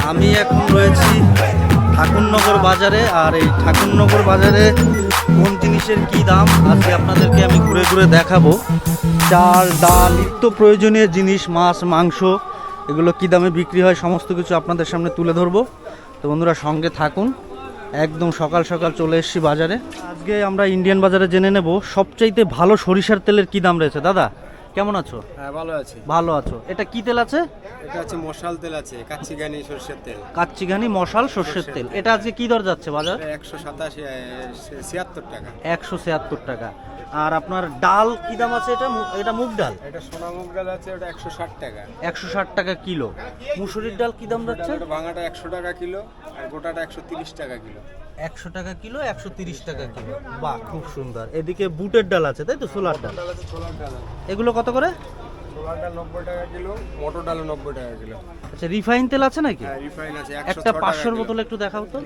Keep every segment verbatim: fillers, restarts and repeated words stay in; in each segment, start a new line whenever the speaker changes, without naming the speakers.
আমি এখন রয়েছি ঠাকুরনগর বাজারে, আর এই ঠাকুরনগর বাজারে কোন জিনিসের কি দাম আজকে আপনাদেরকে আমি ঘুরে ঘুরে দেখাবো। চাল, ডাল, নিত্য প্রয়োজনীয় জিনিস, মাছ, মাংস, এগুলো কি দামে বিক্রি হয় সমস্ত কিছু আপনাদের সামনে তুলে ধরবো। তো বন্ধুরা সঙ্গে থাকুন, একদম সকাল সকাল চলে এসেছি বাজারে। আজকে আমরা ইন্ডিয়ান বাজারে জেনে নেব সবচাইতে ভালো সরিষার তেলের কি দাম রয়েছে। দাদা কেমন আছো?
হ্যাঁ ভালো আছি।
ভালো আছো। এটা কি তেল আছে?
এটা হচ্ছে মশাল তেল আছে, কাচ্চিঘানি সরষের তেল।
কাচ্চিঘানি মশাল সর্ষের তেল। এটা আজকে কি দর যাচ্ছে বাজার?
একশো সাতাশি ছিয়াত্তর টাকা।
একশো ছিয়াত্তর টাকা। আর আপনার ডাল কি দাম আছে? এটা মু- এটা মুগ ডাল।
এটা সোনা মুগ ডাল আছে, ওটা একশো ষাট টাকা।
একশো ষাট টাকা কিলো। মুসুরির ডাল কি দাম যাচ্ছে?
ওটা ভাঙাটা একশো টাকা কিলো, আর গোটাটা একশো তিরিশ টাকা কিলো।
একশো টাকা কিলো, একশো তিরিশ টাকা কিলো। বাহ, খুব সুন্দর। এদিকে বুটের ডাল আছে, তাই তো? সোলার ডাল।
ডাল আছে, ছোলার ডাল আছে।
এগুলো কত করে?
ছোলার ডাল নব্বই টাকা কিলো, মটর ডালও নব্বই টাকা কিলো।
আচ্ছা, রিফাইন তেল আছে নাকি?
হ্যাঁ রিফাইন আছে একশো
একটা
ছ টাকা
পাঁচশোর
কিলো।
বোতল একটু দেখাও তো।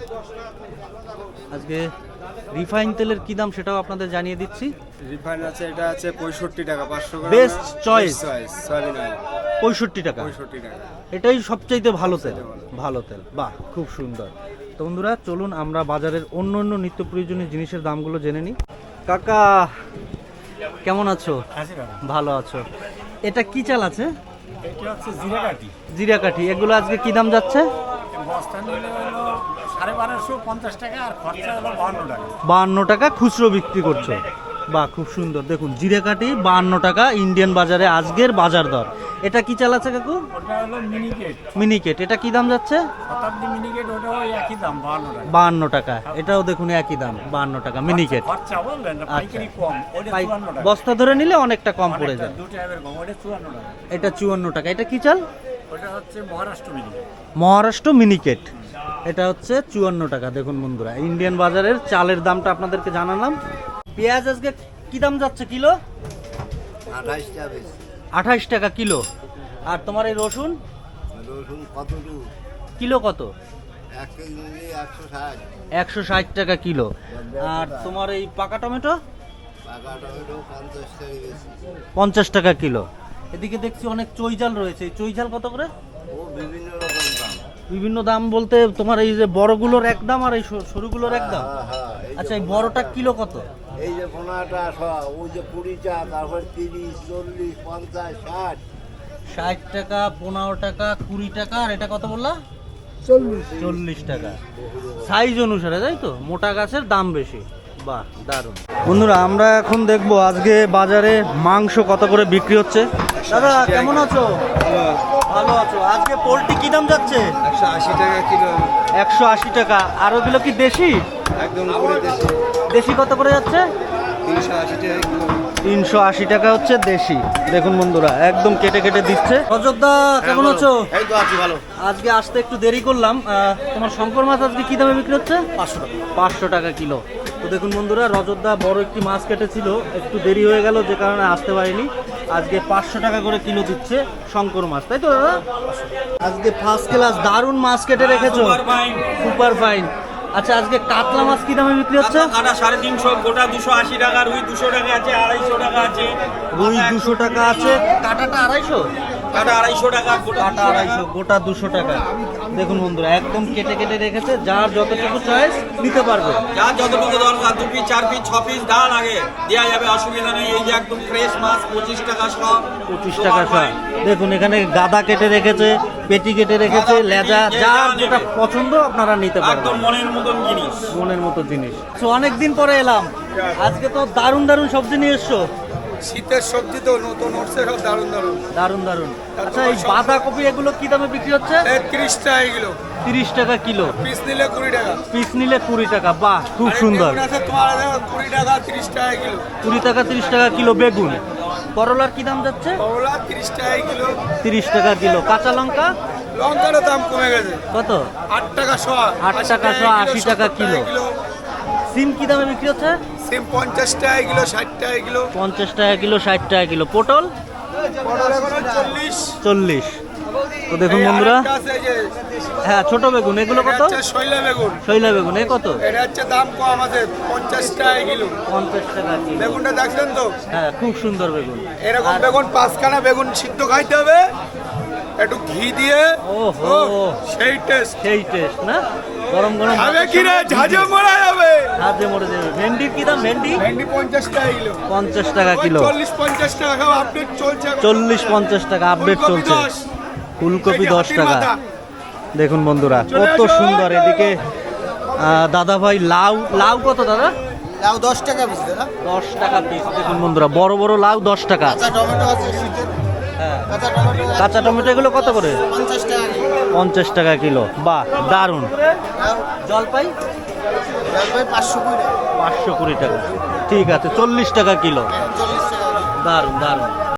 আজকে রিফাইন তেলের কি দাম সেটাও আপনাদের জানিয়ে দিচ্ছি।
রিফাইন আছে, এটা আছে পঁয়ষট্টি টাকা পাঁচশো গ্রাম।
Best choice।
সয়াবিন অয়েল
পঁয়ষট্টি টাকা।
পঁয়ষট্টি টাকা।
এটাই সবচাইতে ভালো তেল। ভালো তেল, বাহ খুব সুন্দর। তো বন্ধুরা চলুন আমরা বাজারের অন্য অন্য নিত্য প্রয়োজনীয় জিনিসের দামগুলো জেনে নিই। কাকা কেমন আছো? ভালো আছো। এটা কি চাল আছে?
এটা হচ্ছে জিরাকাঠি।
জিরাকাঠি। এগুলো আজকে কি দাম যাচ্ছে?
বস্তা নিলে হলো সাড়ে বারোশো পঞ্চাশ টাকা, আর খরচা হলো বাহান্ন টাকা।
বাহান্ন টাকা খুচরো বিক্রি করছো। বাহ খুব সুন্দর। দেখুন জিরাকাঠি বাহান্ন টাকা ইন্ডিয়ান বাজারে আজকের বাজার দর। এটা কি চাল আছে কাকু?
ওটা হলো মিনিকেট,
মিনিকেট। এটা কি দাম যাচ্ছে?
শতাব্দী মিনিকেট, ওটাও একই দাম বাহান্ন টাকা।
বাহান্ন টাকা। এটাও দেখুন একই দাম বাহান্ন টাকা মিনিকেট।
খরচা বললেন না, পাইকারি কম, ওটা
পাই-
চুয়ান্ন টাকা।
বস্তা ধরে নিলে অনেকটা কম পড়ে যায়।
দু টাকা কম, ওটা চুয়ান্ন টাকা।
এটা চুয়ান্ন টাকা। এটা কি চাল?
ওটা হচ্ছে মহারাষ্ট্র মিনিকেট।
মহারাষ্ট্র মিনিকেট। এটা হচ্ছে চুয়ান্ন টাকা। দেখুন বন্ধুরা ইন্ডিয়ান বাজারের চালের দামটা আপনাদেরকে জানালাম। পেঁয়াজ আজকে কি দাম যাচ্ছে কিলো?
আঠাশ টাকা।
আঠাশ টাকা কিলো। আর তোমার এই রসুন
রসুন কতটুকু?
কিলো কত?
এক কেজি নিলে একশো ষাট।
একশো ষাট টাকা কিলো। আর তোমার এই পাকা টমেটো
পাকা টমেটো পঞ্চাশ টাকা বেশি।
পঞ্চাশ টাকা কিলো। এদিকে দেখছি অনেক চৈঝাল রয়েছে। এই চৈঝাল কত করে?
ও বিভিন্ন রকম দাম।
বিভিন্ন দাম বলতে তোমার এই যে বড়গুলোর এক দাম আর এই সরু- সরুগুলোর এক দাম।
হ্যাঁ হ্যাঁ এই যে
আচ্ছা, এই বড়টা কিলো কত?
এই যে পনেরোটা শো, ওই যে কুড়িটা, তারপর তিরিশ, চল্লিশ, পঞ্চাশ, ষাট।
ষাট টাকা, পনেরো টাকা, কুড়ি টাকা। আর এটা কত বললা?
চল্লিশ।
চল্লিশ টাকা। সাইজ অনুসারে, তাই তো? মোটা গাছের দাম বেশি। বাহ দারুণ। বন্ধুরা আমরা এখন দেখবো আজকে বাজারে মাংস কত করে বিক্রি হচ্ছে। দাদা কেমন আছো? ভালো আছো। আজকে পোলট্রি কি দাম যাচ্ছে?
একশো আশি টাকা কিলো।
একশো আশি টাকা। আর ওগুলো কি দেশি?
একদম পুরো দেশি।
দেশি কত করে যাচ্ছে?
তিনশো আশি টাকা কিলো।
তিনশো আশি টাকা হচ্ছে দেশি। দেখুন বন্ধুরা একদম কেটে কেটে দিচ্ছে। অযোধ্যা কেমন আছো?
এই তো আছি ভালো।
আজকে আসতে একটু দেরি করলাম। আহ, তোমার শঙ্কর মাছ আজকে কি দামে বিক্রি হচ্ছে?
পাঁচশো টাকা।
পাঁচশো টাকা কিলো। তো দেখুন বন্ধুরা রজতদা বড় একটি মাছ কেটেছিল, একটু দেরি হয়ে গেল যে কারণে আসতে পারিনি। আজকে পাঁচশো টাকা করে কিলো দিচ্ছে শঙ্কর মাছ, তাই তো দাদা? আজকে ফার্স্ট ক্লাস দারুণ মাছ কেটে রেখেছো, সুপার ফাইন। আচ্ছা আজকে কাতলা মাছ কি দামে বিক্রি হচ্ছে?
কাটা সাড়ে তিনশো, গোটা দুশো আশি টাকা, রুই দুশো টাকা আছে, আড়াইশো টাকা আছে,
রুই দুশো টাকা আছে, কাটাটা আড়াইশো,
কাটা আড়াইশো টাকা, গোটা
কাটা আড়াইশো, গোটা দুশো টাকা। দেখুন বন্ধুরা একদম কেটে কেটে রেখেছে, যার যতটুকু চয়েস নিতে পারবে।
যা যতটুকু দরকার, দু পিস চার পিস ছ পিস ডাল আগে দেওয়া যাবে, অসুবিধা নেই। এই যে একদম ফ্রেশ মাছ, পঁচিশ টাকা সব,
পঁচিশ টাকা সব। দেখুন এখানে গাদা কেটে রেখেছে, পেটি কেটে রেখেছে, লেজা, যার যেটা পছন্দ আপনারা নিতে
একদম
পারবেন।
মনের মতন জিনিস।
মনের মতো জিনিস। তো অনেকদিন পরে এলাম, আজকে তো দারুণ দারুণ সবজি নিয়ে এসছো।
শীতের সবজি তো নতুন উঠছে, সব দারুণ দারুণ।
দারুণ দারুণ। আচ্ছা এই বাঁধাকপি এগুলো কি দামে বিক্রি হচ্ছে?
তিরিশ টাকা কিলো।
তিরিশ টাকা কিলো।
পিস নিলে কুড়ি টাকা।
পিস নিলে কুড়ি টাকা। বাহ খুব সুন্দর।
তোমার কুড়ি টাকা, তিরিশ টাকা কিলো।
কুড়ি টাকা তিরিশ টাকা কিলো বেগুন। করলার কি দাম যাচ্ছে?
করলা তিরিশ টাকা কিলো।
তিরিশ টাকা কিলো। কাঁচা লঙ্কা
লঙ্কারও দাম কমে গেছে,
কত?
আট টাকা শো।
আট টাকা শো, আশি টাকা কিলো। সিম কি দামে বিক্রি হচ্ছে?
সিম পঞ্চাশ টাকা কিলো, ষাট টাকা কিলো।
পঞ্চাশ টাকা কিলো, ষাট টাকা কিলো। পটল
পটল এখন চল্লিশ।
চল্লিশ। তো দেখুন বন্ধুরা, হ্যাঁ ছোট বেগুন এগুলো কত?
শৈলা বেগুন।
শৈলা বেগুন এ কত?
এটা হচ্ছে দাম কম আছে, পঞ্চাশ টাকা কিলো।
পঞ্চাশ টাকা কিলো।
বেগুনটা দেখছেন তো?
হ্যাঁ খুব সুন্দর বেগুন।
এরকম
আর
বেগুন পাঁচখানা বেগুন সিদ্ধ খাইতে হবে, একটু ঘি দিয়ে
ওহো।
ও, সেই টেস্ট।
সেই টেস্ট না, গরম গরম
খাবে
ভাতের
কি রে,
সঙ্গে
ঝাঁঝে
ঘি দিয়ে।
মরা যাবে।
ঝাঁঝে মরে যাবে। ভেন্ডির কি দাম? ভেন্ডি
ভেন্ডি পঞ্চাশ টাকা কিলো।
পঞ্চাশ টাকা কিলো।
চল্লিশ পঞ্চাশ টাকা খাও, আপডেট চলছে এখন।
চল্লিশ পঞ্চাশ টাকা আপডেট
ফুলকপি
চলছে।
দশ।
ফুলকপি
এই যে
দশ
হাতির
টাকা।
মাথা।
দেখুন বন্ধুরা
চলে
কত
আসো।
সুন্দর। এদিকে আহ, দাদা ভাই লাউ, লাউ কত দাদা?
লাউ দশ টাকা পিস দাদা।
দশ টাকা পিস। দেখুন বন্ধুরা বড় বড় লাউ দশ টাকা।
কাঁচা টমেটো আছে শীতের,
হ্যাঁ।
কাঁচা টমেটো আছে
কাঁচা টমেটো এগুলো কত করে?
পঞ্চাশ টাকা কিলো।
পঞ্চাশ টাকা কিলো। বাহ, দারুণ।
লাউ
জলপাই
জলপাই পাঁচশো কুড়ি,
পাঁচশো কুড়ি টাকা। ঠিক আছে, চল্লিশ টাকা কিলো।
চল্লিশ টাকা কিলো।
দারুণ দারুণ।